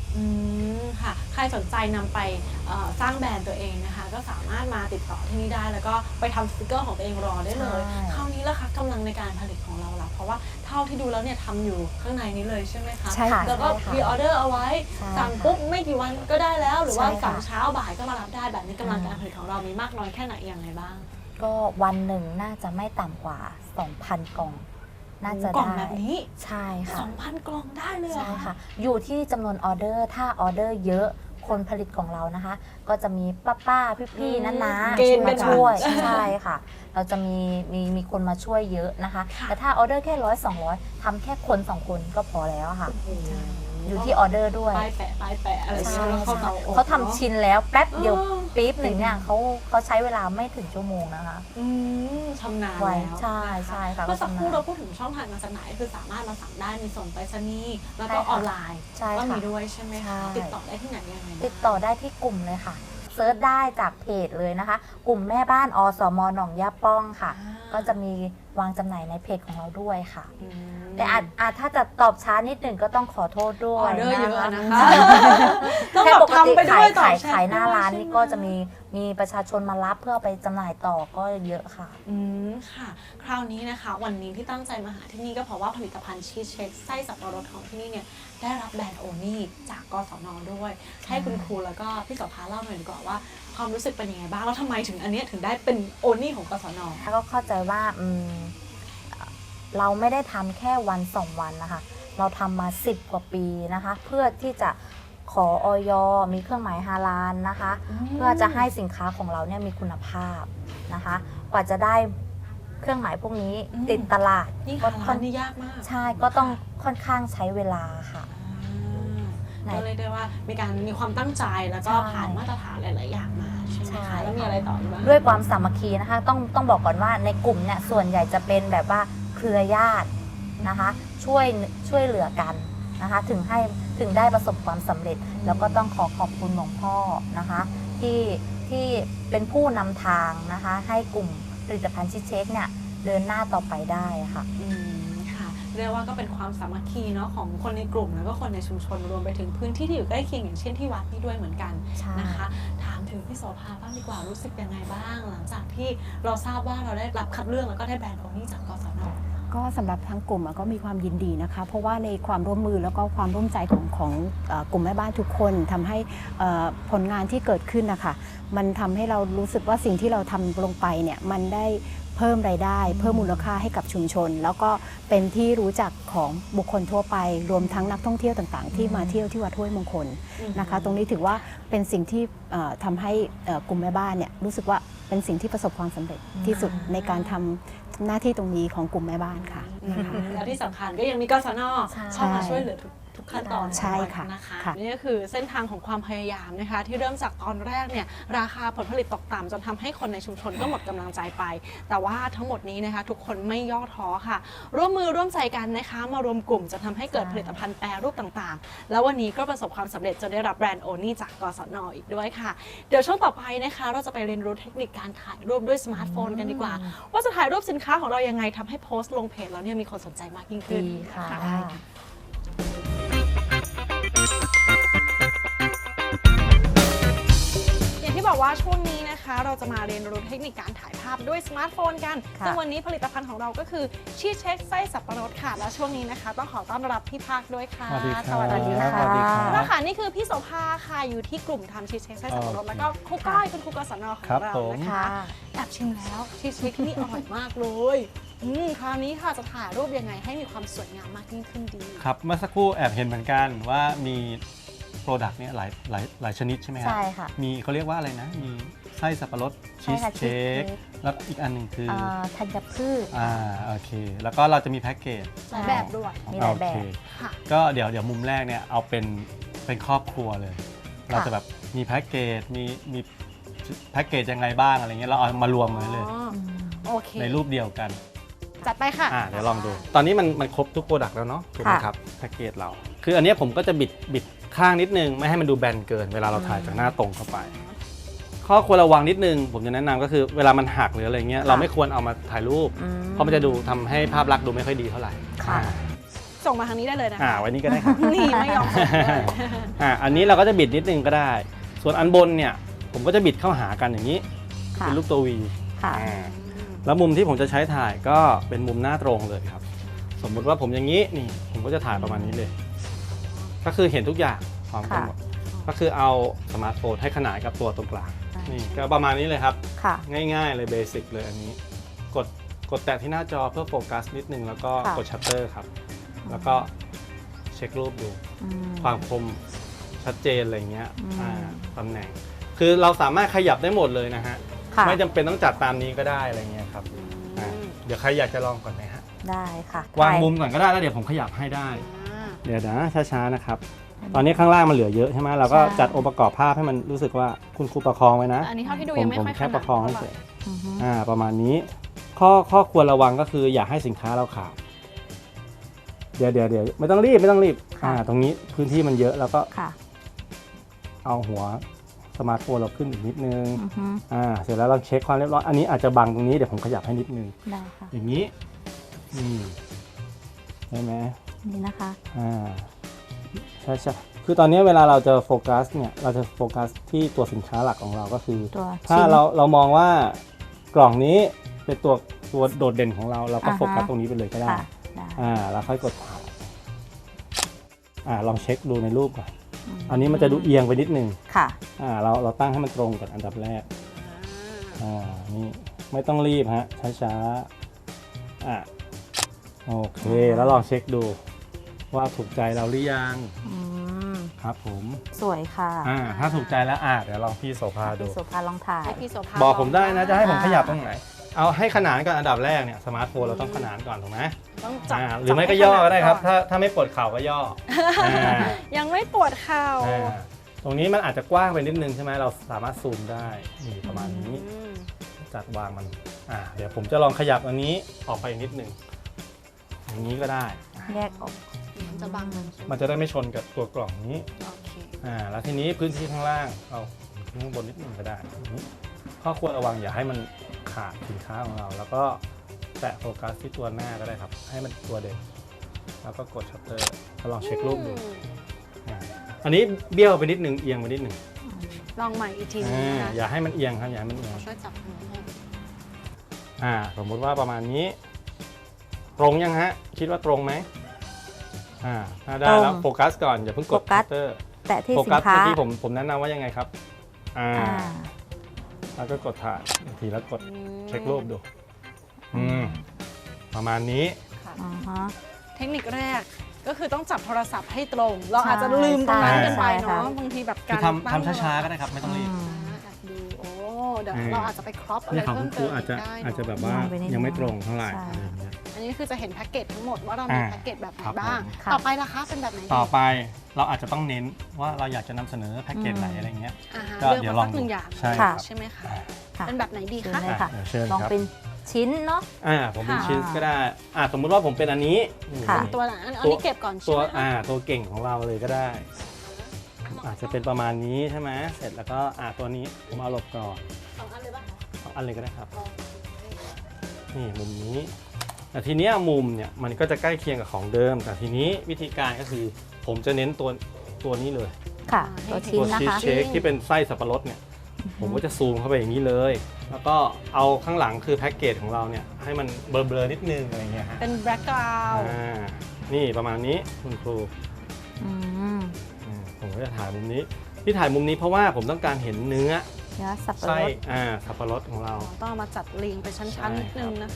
[SPEAKER 2] ค่ะใครสนใจนำไปสร้างแบรนด์ตัวเองนะคะก็สามารถมาติดต่อที่นี่ได้แล้วก็ไปทำสติกเกอร์ของตัวเองรอได้เลยคราวนี้ล่ะคะกำลังในการผลิตของเราล่ะเพราะว่าเท่าที่ดูแล้วเนี่ยทำอยู่ข้างในนี้เลยใช่ไหมคะ
[SPEAKER 3] ใช่ค่ะ
[SPEAKER 2] แล้วก็มีออเดอร์เอาไว้สั่งปุ๊บไม่กี่วันก็ได้แล้วหรือว่าสั่งเช้าบ่ายก็มารับได้แบบนี้กำลังการผลิตของเรามีมากน้อยแค่ไหนอย่างไรบ้าง
[SPEAKER 4] ก็วันหนึ่งน่าจะไม่ต่ำกว่า 2,000 กล่องน่าจะได้
[SPEAKER 2] กล่องแบบนี้
[SPEAKER 4] ใช่ค่ะ
[SPEAKER 2] 2,000 กล่องได้เลย
[SPEAKER 4] ใช่ค่ะอยู่ที่จำนวนออเดอร์ถ้าออเดอร์เยอะคนผลิตของเรานะคะ ก็จะมีป้าพี่ๆน้าๆมาช่วยใช่ค่ะ เราจะมีคนมาช่วยเยอะนะคะแต่ถ้าออเดอร์แค่100-200ทำแค่คน2คนก็พอแล้วค่ะอยู่ที่ออเดอร์ด้วย
[SPEAKER 2] ป้ายแปะอะไรอย่างเงี้ย
[SPEAKER 4] เขาทำชินแล้วแป๊บเดียวปี๊บหนึ่งเนี่ยเขาใช้เวลาไม่ถึงชั่วโมงนะคะ
[SPEAKER 2] ชำนาญแล้ว
[SPEAKER 4] ใช่ค่ะ
[SPEAKER 2] เมื่อสักครู่เราพูดถึงช่องทางการจำหน่ายคือสามารถมาสั่งได้มีส่งไปรษณีย์แล้วก็ออนไลน์ก็มีด้วยใช่ไหมคะติดต่อได้ที่ไหนยังไง
[SPEAKER 4] ติดต่อได้ที่กลุ่มเลยค่ะเซิร์ชได้จากเพจเลยนะคะกลุ่มแม่บ้านอสม.หนองยาป้องค่ะก็จะมีวางจำหน่ายในเพจของเราด้วยค่ะแต่อาจถ้าจะตอบช้านิดหนึ่งก็ต้องขอโทษด้วย
[SPEAKER 2] นะคะ
[SPEAKER 4] แค่ปกติขายหน้าร้านนี่ก็จะมีประชาชนมารับเพื่อไปจำหน่ายต่อก็เยอะค่ะ
[SPEAKER 2] ค่ะคราวนี้นะคะวันนี้ที่ตั้งใจมาหาที่นี่ก็เพราะว่าผลิตภัณฑ์ชีสเช็คไส้สับปะรดของที่นี่เนี่ยได้รับแบรนด์โอนี่จากกสน.ด้วยให้คุณครูแล้วก็พี่โสภาเล่าหน่อยดีกว่าว่าความรู้สึกเป็นยังไงบ้างแล้วทำไมถึงอันนี้ถึงได้เป็นโอนี่ของกสน.
[SPEAKER 4] ก็เข้าใจว่าเราไม่ได้ทำแค่วัน2วันนะคะเราทำมา10 กว่าปีนะคะเพื่อที่จะขออย.มีเครื่องหมายฮาลาลนะคะเพื่อจะให้สินค้าของเราเนี่ยมีคุณภาพนะคะกว่าจะได้เครื่องหมายพวกนี้ติดตลาด
[SPEAKER 2] ก็ค่อนข้างยากมาก
[SPEAKER 4] ใช่ก็ต้องค่อนข้างใช้เวลาค่ะ
[SPEAKER 2] ก็เลยได้ว่ามีความตั้งใจแล้วก็ผ่านมาตรฐานหลายๆอย่างมาใช่ไหมคะแล้วมีอะไรต่ออีกบ้าง
[SPEAKER 4] ด้วยความสามัคคีนะคะต้องบอกก่อนว่าในกลุ่มเนี่ยส่วนใหญ่จะเป็นแบบว่าเครือญาตินะคะช่วยเหลือกันนะคะถึงได้ประสบความสำเร็จแล้วก็ต้องขอบคุณหลวงพ่อนะคะที่เป็นผู้นำทางนะคะให้กลุ่มผลิตภัณฑ์ชีสเช็คเนี่ยเดินหน้าต่อไปได้ค่ะ
[SPEAKER 2] เรียกว่าก็เป็นความสามัคคีเนาะของคนในกลุ่มแล้วก็คนในชุมชนรวมไปถึงพื้นที่ที่อยู่ใกล้เคียงอย่างเช่นที่วัดนี่ด้วยเหมือนกันนะคะถามถึงพี่โสภาบ้างดีกว่ารู้สึกยังไงบ้างหลังจากที่เราทราบว่าเราได้รับคัดเลือกแล้วก็ได้แบรนด์โอนี่จากกสน.
[SPEAKER 3] ก็สำหรับทั้งกลุ่มก็มีความยินดีนะคะเพราะว่าในความร่วมมือแล้วก็ความร่วมใจของกลุ่มแม่บ้านทุกคนทำให้ผลงานที่เกิดขึ้นนะคะมันทำให้เรารู้สึกว่าสิ่งที่เราทำลงไปเนี่ยมันได้เพิ่มรายได้เพิ่มมูลค่าให้กับชุมชนแล้วก็เป็นที่รู้จักของบุคคลทั่วไปรวมทั้งนักท่องเที่ยวต่างๆที่มาเที่ยวที่วัดห้วยมงคลนะคะตรงนี้ถือว่าเป็นสิ่งที่ทำให้กลุ่มแม่บ้านเนี่ยรู้สึกว่าเป็นสิ่งที่ประสบความสำเร็จที่สุดในการทำหน้าที่ตรงนี้ของกลุ่มแม่บ้านค่ะ
[SPEAKER 2] และที่สำคัญก็ยังมีกสน.เข้ามาช่วยเหลือทุกขั้นตอน
[SPEAKER 3] ใช่ค่ะ
[SPEAKER 2] นะคะนี่ก็คือเส้นทางของความพยายามนะคะที่เริ่มจากตอนแรกเนี่ยราคาผลผลิตตกต่ำจนทำให้คนในชุมชนก็หมดกำลังใจไปแต่ว่าทั้งหมดนี้นะคะทุกคนไม่ย่อท้อค่ะร่วมมือร่วมใจกันนะคะมารวมกลุ่มจนทำให้เกิดผลิตภัณฑ์แปรรูปต่างๆแล้ววันนี้ก็ประสบความสำเร็จจนได้รับแบรนด์โอนี่จากกสน.อีกด้วยค่ะเดี๋ยวช่วงต่อไปนะคะเราจะไปเรียนรู้เทคนิคการถ่ายรูปด้วยสมาร์ทโฟนกันดีกว่าว่าจะถ่ายรูปสินค้าของเรายังไงทำให้โพสต์ลงเพจแล้วเนี่ยมีคนสนใจมากยิ่งขึ้น
[SPEAKER 4] ค่ะ
[SPEAKER 2] ที่บอกว่าช่วงนี้นะคะเราจะมาเรียนรู้เทคนิคการถ่ายภาพด้วยสมาร์ทโฟนกันซึ่งวันนี้ผลิตภัณฑ์ของเราก็คือชีสเช็คไส้สับปะรดค่ะและช่วงนี้นะคะต้องขอต้อนรับพี่ภาคด้วยค่ะ
[SPEAKER 5] สวัสดีค่ะ
[SPEAKER 2] แล้วค่ะนี่คือพี่โสภาค่ะอยู่ที่กลุ่มทำชีสเช็คไส้สับปะรดแล้วก็ครูก้อยเป็นครูกศน.ของเรานะคะแอบชิมแล้วชีสเช็คที่นี่อร่อยมากเลยคราวนี้ค่ะจะถ่ายรูปยังไงให้มีความสวยงามมากยิ่งขึ้นดี
[SPEAKER 5] ครับเมื่อสักครู่แอบเห็นเหมือนกันว่ามีโปรดักต์เนี่ยหลายชนิดใช่ไหมครับ
[SPEAKER 4] ใช่ค่ะ
[SPEAKER 5] มีเขาเรียกว่าอะไรนะมีไส้สับปะรดชีสเค้กแล้วอีกอันหนึ่งคือ
[SPEAKER 4] ธัญพืช
[SPEAKER 5] โอเคแล้วก็เราจะมีแพ็กเกจ
[SPEAKER 2] หลายแบบด้วย
[SPEAKER 4] มีหลายแบบ
[SPEAKER 5] ก็เดี๋ยวมุมแรกเนี่ยเอาเป็นครอบครัวเลยเราจะแบบมีแพ็กเกจมีแพ็กเกจยังไงบ้างอะไรเงี้ยเราเอามารวมกันเลยในรูปเดียวกัน
[SPEAKER 2] จัดไปค่ะ
[SPEAKER 5] เดี๋ยวลองดูตอนนี้มันครบทุกโปรดักต์แล้วเนาะถูกไหมครับแพ็กเกจเราคืออันนี้ผมก็จะบิดข้างนิดนึงไม่ให้มันดูแบนเกินเวลาเราถ่ายจากหน้าตรงเข้าไปข้อควรระวังนิดนึงผมจะแนะนำก็คือเวลามันหักหรืออะไรเงี้ยเราไม่ควรเอามาถ่ายรูปเพราะมันจะดูทำให้ภาพลักษณ์ดูไม่ค่อยดีเท่าไหร่
[SPEAKER 2] ส่งมาทางนี้ได้เลยนะคะ
[SPEAKER 5] ไว้นี่ก็ได้ครับ
[SPEAKER 2] นี่ไม่ยอมส่งเลย
[SPEAKER 5] อันนี้เราก็จะบิดนิดนึงก็ได้ ส่วนอันบนเนี่ยผมก็จะบิดเข้าหากันอย่างนี้
[SPEAKER 3] ค่ะ
[SPEAKER 5] เป็นรูปตัว V
[SPEAKER 3] ค่ะ
[SPEAKER 5] แล้วมุมที่ผมจะใช้ถ่ายก็เป็นมุมหน้าตรงเลยครับ สมมุติว่าผมอย่างนี้นี่ผมก็จะถ่ายประมาณนี้เลย ก็คือเห็นทุกอย่างพร้อมกันหมดก็คือเอาสมาร์ทโฟนให้ขนานกับตัวตรงกลางนี่ก็ประมาณนี้เลยครับ
[SPEAKER 3] ค่ะ
[SPEAKER 5] ง่ายๆเลยเบสิกเลยอันนี้กดแตะที่หน้าจอเพื่อโฟกัสนิดนึงแล้วก็
[SPEAKER 3] ค่ะ
[SPEAKER 5] กดชัตเตอร์ครับแล้วก็เช็ครูปดู
[SPEAKER 3] อืม
[SPEAKER 5] ความคมชัดเจนอะไรเงี้ย
[SPEAKER 3] อืม
[SPEAKER 5] ตำแหน่ง คือเราสามารถขยับได้หมดเลยนะฮะ
[SPEAKER 3] ค่ะ
[SPEAKER 5] ไม่จำเป็นต้องจัดตามนี้ก็ได้อะไรเงี้ยครับเดี๋ยวใครอยากจะลองก่อนไหมฮะ
[SPEAKER 3] ได้ค่ะ
[SPEAKER 5] วางมุมก่อนก็ได้แล้วเดี๋ยวผมขยับให้ได้
[SPEAKER 2] อ่า
[SPEAKER 5] เดี๋ยวนะช้าๆนะครับ ตอนนี้ข้างล่างมันเหลือเยอะใช่ไหมเราก็
[SPEAKER 3] ใช่
[SPEAKER 5] จัดองค์ประกอบภาพให้มันรู้สึกว่าคุณครูประคองไว้นะ
[SPEAKER 2] อันนี้เท่าที่ดู
[SPEAKER 5] ผ
[SPEAKER 2] ยั
[SPEAKER 5] ม
[SPEAKER 2] งไม่
[SPEAKER 5] ผม
[SPEAKER 2] ค่อย
[SPEAKER 5] แค่ประคองให้เฉย
[SPEAKER 3] อือฮึ
[SPEAKER 5] ประมาณนี้ข้อควรระวังก็คืออย่าให้สินค้าเราขาดเดี๋ยวไม่ต้องรีบตรงนี้พื้นที่มันเยอะแล้วก็
[SPEAKER 3] ค่ะ
[SPEAKER 5] เอาหัวสมาร์ทโฟนเราขึ้นอีกนิดนึง
[SPEAKER 3] อือฮึ
[SPEAKER 5] เสร็จแล้วเราเช็คความเรียบร้อยอันนี้อาจจะบังตรงนี้เดี๋ยวผมขยับให้นิดนึง
[SPEAKER 3] ได้ค่ะ
[SPEAKER 5] อย่างนี้ใช่ไหม
[SPEAKER 3] นี่นะคะ
[SPEAKER 5] ใช่คือตอนนี้เวลาเราจะโฟกัสเนี่ยเราจะโฟกัสที่ตัวสินค้าหลักของเราก็คือ
[SPEAKER 3] ตัว
[SPEAKER 5] ถ้า
[SPEAKER 3] ชิ้น
[SPEAKER 5] เรามองว่ากล่องนี้เป็นตัวโดดเด่นของเราเราก็
[SPEAKER 3] อ่าฮะ
[SPEAKER 5] โฟกัสตรงนี้ไปเลยก็ได้
[SPEAKER 3] ค่ะได้
[SPEAKER 5] แล้วค่อยกดถ่ายลองเช็คดูในรูปก่อน
[SPEAKER 3] ม
[SPEAKER 5] อันนี้มันจะดูเอียงไปนิดนึง
[SPEAKER 3] ค่ะ
[SPEAKER 5] เราตั้งให้มันตรงก่อนอันดับแรกนี่ไม่ต้องรีบฮะช้าๆโอเคแล้วลองเช็คดูว่าถูกใจเราหรือยัง
[SPEAKER 3] อืม
[SPEAKER 5] ครับผม
[SPEAKER 3] สวยค่ะ
[SPEAKER 5] ถ้าถูกใจแล้วเดี๋ยวลองพี่โสภาดู
[SPEAKER 3] พี่โสภาลองถ่าย
[SPEAKER 2] ให้พี่โสภา
[SPEAKER 5] บอกผมได้นะจะให้ผม
[SPEAKER 3] อ่า
[SPEAKER 5] ขยับตรงไหนเอาให้ขนานก่อนอันดับแรกเนี่ยสมาร์ทโฟนเราต้องขนานก่อนถูกไหม
[SPEAKER 2] ต้องจับ
[SPEAKER 5] หรือไม่ก็ย่อก็ได้ครับ ถ้าไม่ปวดเข่าก็ย่ออ่า
[SPEAKER 2] ยังไม่ปวดเข่า
[SPEAKER 5] ตรงนี้มันอาจจะกว้างไปนิดนึงใช่ไหมเราสามารถซูมได้นี่ประมาณนี้
[SPEAKER 2] อืม
[SPEAKER 5] จัดวางมันเดี๋ยวผมจะลองขยับอันนี้ออกไปนิดนึงอย่างนี้ก็ได้
[SPEAKER 3] แยกออก
[SPEAKER 2] มันจะบังมันใช่ไหม
[SPEAKER 5] มันจะได้ไม่ชนกับตัวกล่องนี้
[SPEAKER 2] โอเค
[SPEAKER 5] แล้วทีนี้พื้นที่ข้างล่างเอาขึ้นข้างบนนิดนึงก็ได้อย่างนี้ข้อควรระวังอย่าให้มันขาดสินค้าของเรา แล้วก็แตะโฟกัสที่ตัวหน้าก็ได้ครับ ให้มันตัวเด่นแล้วก็กดชัตเตอร์แล้วลองเช็ครูปดูอันนี้เบี้ยวไปนิดนึงเอียงไปนิดนึง
[SPEAKER 2] ลองใหม่อีกทีนึงนะคะ
[SPEAKER 5] อย่าให้มันเอียงครับอย่าให้มันเอียง
[SPEAKER 2] ช่วยจับมือให้
[SPEAKER 5] สมมุติว่าประมาณนี้ ตรงยังฮะคิดว่าตรงไหมถ้าได้แล้วโฟกัสก่อนอย่าเพิ่งกดชัตเตอร์
[SPEAKER 3] แต่ที่
[SPEAKER 5] โฟ
[SPEAKER 3] สิ
[SPEAKER 5] กัส
[SPEAKER 3] นค้า
[SPEAKER 5] เมื่อกี้ผมแนะนำว่ายังไงครับ
[SPEAKER 3] อ่า
[SPEAKER 5] แล้วก็กดถ่ายอีกทีแล้วกดเช็ครูปดูประมาณนี้
[SPEAKER 3] อ่าฮะ
[SPEAKER 2] เทคนิคแรกก็คือต้องจับโทรศัพท์ให้ตรง เราอาจจะลืมตรงนั้นกันไปเนาะ
[SPEAKER 3] ใช่
[SPEAKER 2] บางทีแบบ
[SPEAKER 5] คื
[SPEAKER 2] กา
[SPEAKER 5] อ
[SPEAKER 2] ร
[SPEAKER 5] ทำช้าๆก็ได้ครับไม่ต้องรีบ
[SPEAKER 2] แอบดูโอ้เดี๋ยวเราอาจจะไปครอปอะไร
[SPEAKER 5] นี่ของ
[SPEAKER 2] เพิ่
[SPEAKER 5] คุ
[SPEAKER 2] ม
[SPEAKER 5] ณค
[SPEAKER 2] เติ
[SPEAKER 5] รู
[SPEAKER 2] ม
[SPEAKER 5] อาจจะ
[SPEAKER 2] ได้เนอะ
[SPEAKER 5] อาจจะแบบว่า
[SPEAKER 3] ลองไปนิดนึง
[SPEAKER 5] ยังไม่ตรงเท่าไหร่
[SPEAKER 3] ใช่
[SPEAKER 5] อะไรอย่างเงี้ย
[SPEAKER 2] อันนี้คือจะเห็นแพ็กเกจทั้งหมดว่าเรามี
[SPEAKER 5] อ่า
[SPEAKER 2] แพ็กเกจแบบไหน
[SPEAKER 5] ครับ
[SPEAKER 2] บ้าง
[SPEAKER 3] ผม
[SPEAKER 2] ต่อไปล่ะคะเป็นแบบไหนดี
[SPEAKER 5] ต่อไปเราอาจจะต้องเน้นว่าเราอยากจะนำเสนอแพ็กเกจไหนอะไรเงี้ย
[SPEAKER 2] อ่าฮะ
[SPEAKER 5] ก็
[SPEAKER 2] เลือก
[SPEAKER 5] เดี๋ยว
[SPEAKER 2] มา
[SPEAKER 5] ลอง
[SPEAKER 2] สักหนึ่งอย่าง
[SPEAKER 5] ใช่
[SPEAKER 3] ค่ะ
[SPEAKER 5] ครับ
[SPEAKER 2] ใช่ไหมคะ
[SPEAKER 3] ค่ะ
[SPEAKER 2] เป็นแบบไหนดี
[SPEAKER 3] เชิญ
[SPEAKER 2] คะ
[SPEAKER 3] เลยค่ะ
[SPEAKER 5] เดี๋ยวเชิญ
[SPEAKER 3] ลอง
[SPEAKER 5] ครับ
[SPEAKER 3] เป็นชิ้นเนาะ
[SPEAKER 5] ผมเป็น
[SPEAKER 3] ค่ะ
[SPEAKER 5] ชิ้นก็ได้สมมุติว่าผมเป็นอันนี้นี่
[SPEAKER 3] ค่ะ
[SPEAKER 2] ตัวไหนอันนี้เก็บก่อนใช่
[SPEAKER 5] ตัว
[SPEAKER 2] ไหมคะ
[SPEAKER 5] ตัวเก่งของเราเลยก็ได้ อาจจะเป็นประมาณนี้ใช่ไหมเสร็จแล้วก็ตัวนี้ผมเอาหลบก่อน
[SPEAKER 2] สองอันเลยป่ะคะ
[SPEAKER 5] เอาอันเลยก็ได้ครับนี่มุมนี้แต่ทีเนี้ยมุมเนี่ยมันก็จะใกล้เคียงกับของเดิม แต่ทีนี้วิธีการก็คือผมจะเน้นตัวนี้เลย
[SPEAKER 3] ค่ะ ตัวชิ้
[SPEAKER 5] ตั
[SPEAKER 3] น
[SPEAKER 5] ว
[SPEAKER 3] นะ
[SPEAKER 5] ชีส
[SPEAKER 3] คะ
[SPEAKER 5] เค้กที่เป็นไส้สับปะรดเนี่ยผมก็จะซูมเข้าไปอย่างนี้เลย แล้วก็เอาข้างหลังคือแพ็กเกจของเราเนี่ยให้มันเบลอๆนิดนึงอะไรเงี้ยฮะ
[SPEAKER 2] เป็นแบล็กกราวด์
[SPEAKER 5] นี่ประมาณนี้คุณครู
[SPEAKER 3] อืม
[SPEAKER 5] ผมก็จะถ่ายมุมนี้ที่ถ่ายมุมนี้เพราะว่าผมต้องการเห็นเนื้อ
[SPEAKER 3] เนื้อสับปะ
[SPEAKER 5] ไส้
[SPEAKER 3] รด
[SPEAKER 5] สับปะรดของเรา
[SPEAKER 2] ต้องเอามาจัดเรียงเป็นชั้นๆนิดนึงนะคะ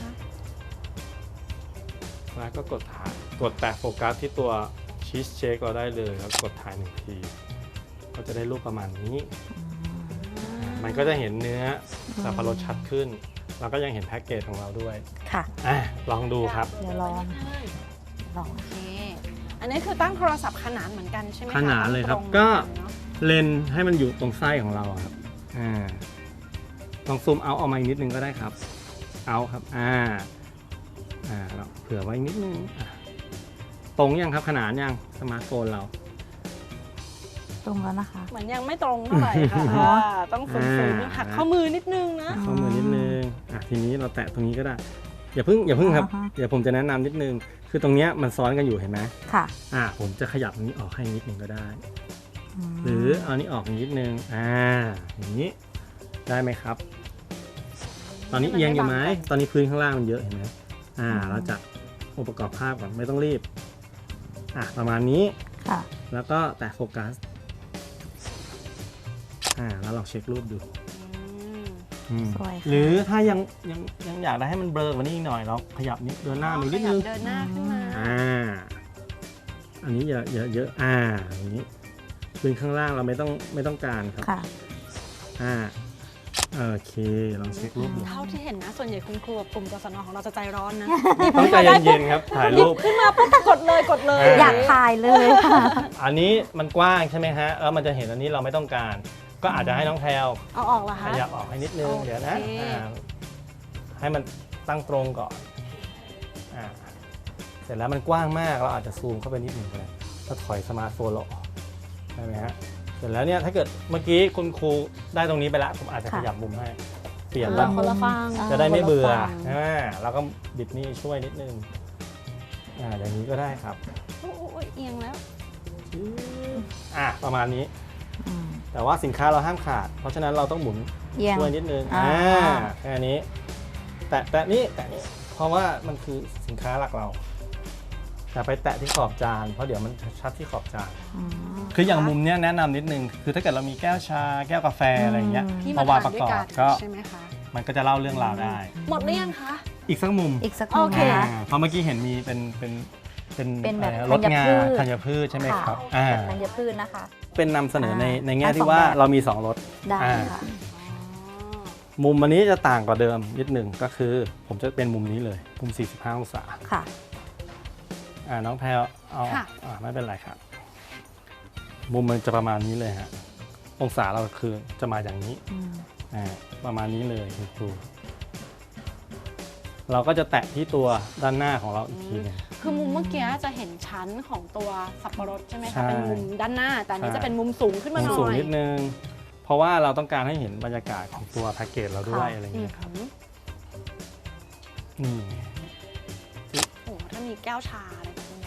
[SPEAKER 5] แล้วก็กดถ่ายกดแตะโฟกัสที่ตัวชีสเค้กเราได้เลยแล้วกดถ่าย1ทีก็จะได้รูปประมาณนี้ มันก็จะเห็นเนื้อสับปะรดชัดขึ้น แล้วก็ยังเห็นแพ็กเกจของเราด้วย
[SPEAKER 3] ค่ะ
[SPEAKER 5] ลองดูครับ
[SPEAKER 3] เดี๋ยวลอง
[SPEAKER 2] โอเค อันนี้คือตั้งโทรศัพท์ขนานเหมือนกันใช่ไหมคะ
[SPEAKER 5] ขนานเลยครับ
[SPEAKER 2] ตง
[SPEAKER 5] ก็
[SPEAKER 2] เหมือนนเนอะ
[SPEAKER 5] เลนส์ให้มันอยู่ตรงไส้ของเราอะครับลองซูมเอาออกมาอีกนิดนึงก็ได้ครับ เอาครับเราเผื่อไว้นิดนึงตรงยังครับขนานยังสมาร์ทโฟนเรา
[SPEAKER 3] ตรงแล้วนะคะ
[SPEAKER 2] เหมือนยังไม่ตรงเท่าไหร่ค่ะ
[SPEAKER 3] อ๋อ
[SPEAKER 2] ต้องฝืนๆหักข้อมือนิดนึงนะ
[SPEAKER 5] ข้อมือนิดนึงทีนี้เราแตะตรงนี้ก็ได้ อย่าเพิ่งครับ
[SPEAKER 3] อ่าฮะ
[SPEAKER 5] เดี๋ยวผมจะแนะนำนิดนึง คือตรงเนี้ยมันซ้อนกันอยู่เห็นไหม
[SPEAKER 3] ค่ะ
[SPEAKER 5] ผมจะขยับตรงนี้ออกให้นิดนึงก็ได้หรือเอานี้ออกนิดนึงอย่างนี้ได้ไหมครับ ตอนนี้เอียงอยู่ไหมตอนนี้พื้นข้างล่างมันเยอะเห็นไหมเราจัดองค์ประกอบภาพก่อนไม่ต้องรีบประมาณนี้แล้วก็แตะโฟกัสแล้วลองเช็ครูปดูหรือถ้ายังอยากได้ให้มันเบลอกว่านี้อีกหน่อยเราขยับนี้เดินหน้าไปนิดนึง
[SPEAKER 2] เดินหน้าขึ้นมา
[SPEAKER 5] อันนี้เยอะอย่างนี้พื้นข้างล่างเราไม่ต้องการครับโอเคลองเช็ครูปดู
[SPEAKER 2] เท่าที่เห็นนะส่วนใหญ่คุณครูกับกลุ่มกศนของเราจะใจร้อนนะ
[SPEAKER 5] ต้องใจเย็นๆครับถ่ายรูป
[SPEAKER 2] ขึ้นมาปุ๊บกดเลย
[SPEAKER 4] อยากถ่ายเลยค่ะ
[SPEAKER 5] อันนี้มันกว้างใช่ไหมฮะแล้วมันจะเห็นอันนี้เราไม่ต้องการก็อาจจะให้น้องแพลว
[SPEAKER 2] เอาออกเหรอคะ
[SPEAKER 5] ขยับออกให้นิดนึงเดี๋ยวนะให้มันตั้งตรงก่อนเสร็จแล้วมันกว้างมากเราอาจจะซูมเข้าไปนิดนึงก็ได้ถ้าถอยสมาร์ทโฟนเราออกได้ไหมฮะเสร็จแล้วเนี่ยถ้าเกิดเมื่อกี้คุณครูได้ตรงนี้ไปแล้วผมอาจจะขยับมุมให้เปลี่ยนบ้าง
[SPEAKER 2] คนละฝั่ง
[SPEAKER 5] จะได้ไม่เบื่อเราก็บิดนี่ช่วยนิดนึงอย่างนี้ก็ได้ครับ
[SPEAKER 2] โอ้ยเอียงแล้ว
[SPEAKER 5] ประมาณนี้แต่ว่าสินค้าเราห้ามขาดเพราะฉะนั้นเราต้องหมุนช่วยนิดนึงแค่นี้แตะนี้เพราะว่ามันคือสินค้าหลักเราแต่ไปแตะที่ขอบจานเพราะเดี๋ยวมันชัดที่ขอบจานคืออย่างมุมเนี้ยแนะนำนิดนึงคือถ้าเกิดเรามีแก้วชาแก้วกาแฟอะไรอย่างเงี้ยพอวางประกอบก็มันก็จะเล่าเรื่องราวได้
[SPEAKER 2] หมดหรือยังคะ
[SPEAKER 5] อีกสักมุม
[SPEAKER 2] โอเค
[SPEAKER 5] เพราะเมื่อกี้เห็นมีเป็น
[SPEAKER 4] แบบ
[SPEAKER 5] รสงาธัญพืชใช่ไหมครับ
[SPEAKER 4] ธัญพืชนะคะ
[SPEAKER 5] เป็นนำเสนอในแง่ที่ว่าเรามี2รส
[SPEAKER 4] ได้ค่ะ
[SPEAKER 5] มุมอันนี้จะต่างกว่าเดิมนิดหนึ่งก็คือผมจะเป็นมุมนี้เลยมุม45องศา
[SPEAKER 4] ค่ะ
[SPEAKER 5] น้องแพลวเอาไม่เป็นไรครับมุมมันจะประมาณนี้เลยฮะองศาเราคือจะมาอย่างนี้ประมาณนี้เลยคุณครูเราก็จะแตะที่ตัวด้านหน้าของเราอีกทีนึง
[SPEAKER 2] คือมุมเมื่อกี้จะเห็นชั้นของตัวสับปะรดใช่ไหมคะเป็นมุมด้านหน้าแต่อันนี้จะเป็นมุมสูงขึ้นมาหน่อย
[SPEAKER 5] สูงนิดนึงเพราะว่าเราต้องการให้เห็นบรรยากาศของตัวแพ็กเกจเราด้วยอะไรอย่างเงี้ยครับ
[SPEAKER 2] ถ้ามีแก้วชาอะไรแบบนี้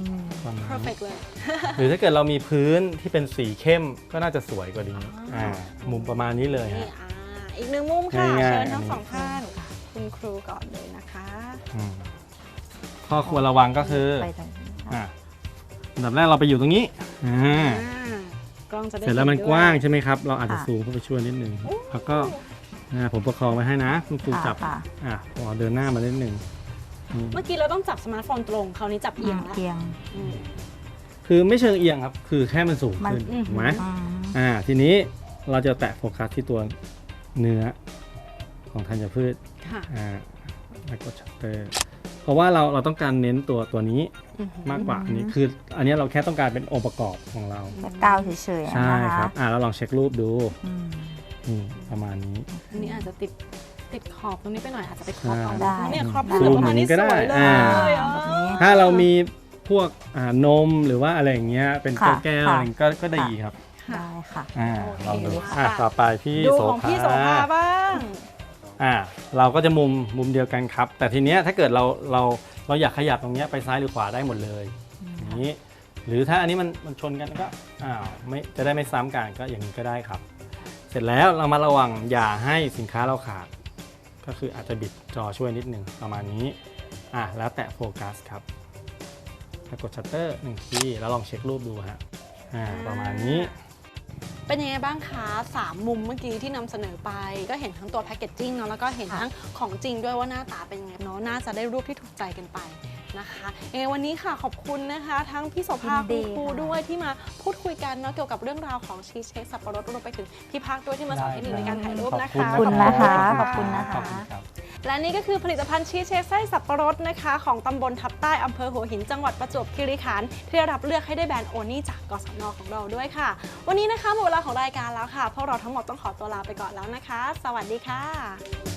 [SPEAKER 2] perfect เลย
[SPEAKER 5] หรือถ้าเกิดเรามีพื้นที่เป็นสีเข้มก็น่าจะสวยกว่านี้มุมประมาณนี้เลยฮะ
[SPEAKER 2] อีกหนึ่งมุมค่ะเชิญทั้งสองท่านคุณครูก่อนเลยนะคะ
[SPEAKER 5] ข้อควรระวังก็คืออันดับแรกเราไปอยู่ตรงนี้เสร็จแล้วมันกว้างใช่ไหมครับเราอาจจะซูมเข้าไปช่วยนิดนึงแล้วก็ผมประคองไว้ให้นะคุณครูจับพอเดินหน้ามานิดนึง
[SPEAKER 2] เมื่อกี้เราต้องจับสมาร์ทโฟนตรงคราวนี้จับเอียงแล้ว
[SPEAKER 5] คือไม่เชิงเอียงครับคือแค่มันสูงขึ้นถูกไหมทีนี้เราจะแตะโฟกัสที่ตัวเนื้อของธัญพืชแล้วกดชัตเตอร์เพราะว่าเราต้องการเน้นตัวนี้มากกว่าอันนี้คืออันนี้เราแค่ต้องการเป็นองค์ประกอบของเรา
[SPEAKER 4] ก้าวเฉยๆ
[SPEAKER 5] ใช่ครับเราลองเช็ครูปดูประมาณนี้
[SPEAKER 2] อันนี้อาจจะติดขอบตรงนี้ไปหน่อยอาจจะไปครอบเอาได้เนี่ยครอบ
[SPEAKER 5] ซูมอย่างนี้ก็ได้ถ้าเรามีพวกนมหรือว่าอะไรอย่างเงี้ยเป็นแก้วอะไรก็ได้ครับ
[SPEAKER 4] ได้ค่ะ
[SPEAKER 5] ลองดูต่อไปพี่โสภา
[SPEAKER 2] บ้าง
[SPEAKER 5] เราก็จะมุมเดียวกันครับแต่ทีเนี้ยถ้าเกิดเราอยากขยับตรงเนี้ยไปซ้ายหรือขวาได้หมดเลยอย่างนี้หรือถ้าอันนี้มันชนกันก็ไม่จะได้ไม่ซ้ำกันก็อย่างนี้ก็ได้ครับเสร็จแล้วเรามาระวังอย่าให้สินค้าเราขาดก็คืออาจจะบิดจอช่วยนิดนึงประมาณนี้แล้วแตะโฟกัสครับแล้วกดชัตเตอร์1ทีแล้วลองเช็ครูปดูฮะประมาณนี้
[SPEAKER 2] เป็นยังไงบ้างคะ3มุมเมื่อกี้ที่นำเสนอไปก็เห็นทั้งตัวแพคเกจจิ้งเนาะแล้วก็เห็นทั้งของจริงด้วยว่าหน้าตาเป็นยังไงเนาะน่าจะได้รูปที่ถูกใจกันไปนะคะยังไงวันนี้ค่ะขอบคุณนะคะทั้งพี่โสภาคุณครูด้วยที่มาพูดคุยกันเนาะเกี่ยวกับเรื่องราวของชีสเค้กสับปะรดรวมไปถึงพี่ภาคด้วยที่มาสอนเทคนิคในการถ่ายรูปนะคะ
[SPEAKER 4] ขอบคุณนะคะขอบคุณนะคะ
[SPEAKER 2] และนี่ก็คือผลิตภัณฑ์ชีสเค้กไส้สับปะรดนะคะของตำบลทับใต้อำเภอหัวหินจังหวัดประจวบคีรีขันธ์ที่ได้รับเลือกให้ได้แบรนด์โอนี่จากกศน.ของเราด้วยค่ะวันนี้นะคะหมดเวลาของรายการแล้วค่ะพวกเราทั้งหมดต้องขอตัวลาไปก่อนแล้วนะคะสวัสดีค่ะ